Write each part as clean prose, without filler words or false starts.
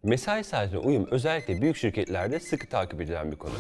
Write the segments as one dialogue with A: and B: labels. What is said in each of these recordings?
A: Mesai saatine uyum özellikle büyük şirketlerde sıkı takip edilen bir konu.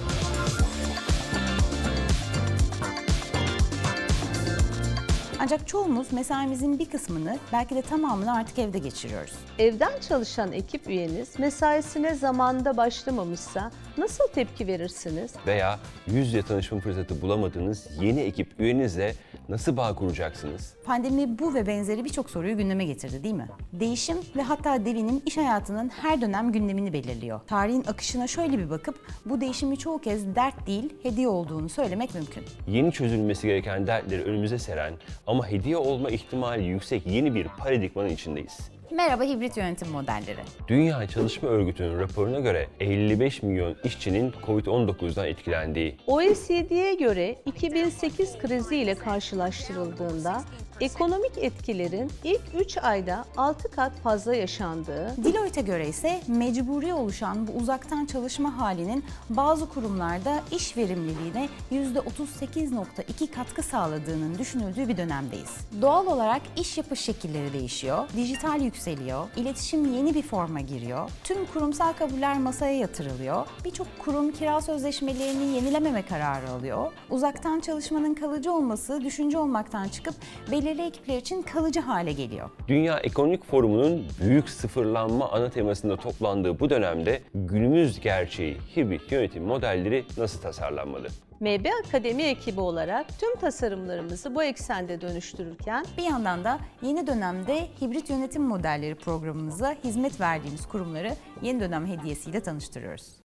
B: Ancak çoğumuz mesaimizin bir kısmını, belki de tamamını artık evde geçiriyoruz.
C: Evden çalışan ekip üyeniz mesaisine zamanında başlamamışsa nasıl tepki verirsiniz?
A: Veya yüz yüze tanışma fırsatı bulamadığınız yeni ekip üyenizle nasıl bağ kuracaksınız?
B: Pandemi bu ve benzeri birçok soruyu gündeme getirdi, değil mi? Değişim ve hatta devinim iş hayatının her dönem gündemini belirliyor. Tarihin akışına şöyle bir bakıp bu değişimi çoğu kez dert değil, hediye olduğunu söylemek mümkün.
A: Yeni çözülmesi gereken dertleri önümüze seren ama hediye olma ihtimali yüksek yeni bir paradigmanın içindeyiz.
B: Merhaba hibrit yönetim modelleri.
A: Dünya Çalışma Örgütü'nün raporuna göre 55 milyon işçinin COVID-19'dan etkilendiği,
C: OECD'ye göre 2008 kriziyle karşılaştırıldığında ekonomik etkilerin ilk 3 ayda 6 kat fazla yaşandığı,
B: Deloitte'e göre ise mecburi oluşan bu uzaktan çalışma halinin bazı kurumlarda iş verimliliğine %38,2 katkı sağladığının düşünüldüğü bir dönemdeyiz. Doğal olarak iş yapış şekilleri değişiyor, dijital yükseliyor, iletişim yeni bir forma giriyor, tüm kurumsal kabuller masaya yatırılıyor, birçok kurum kira sözleşmelerini yenilememe kararı alıyor, uzaktan çalışmanın kalıcı olması düşünce olmaktan çıkıp belirli ekipler için kalıcı hale geliyor.
A: Dünya Ekonomik Forumu'nun büyük sıfırlanma ana temasında toplandığı bu dönemde günümüz gerçeği hibrit yönetim modelleri nasıl tasarlanmalı?
C: MB Akademi ekibi olarak tüm tasarımlarımızı bu eksende dönüştürürken
B: Bir yandan da yeni dönemde hibrit yönetim modelleri programımıza hizmet verdiğimiz kurumları yeni dönem hediyesiyle tanıştırıyoruz.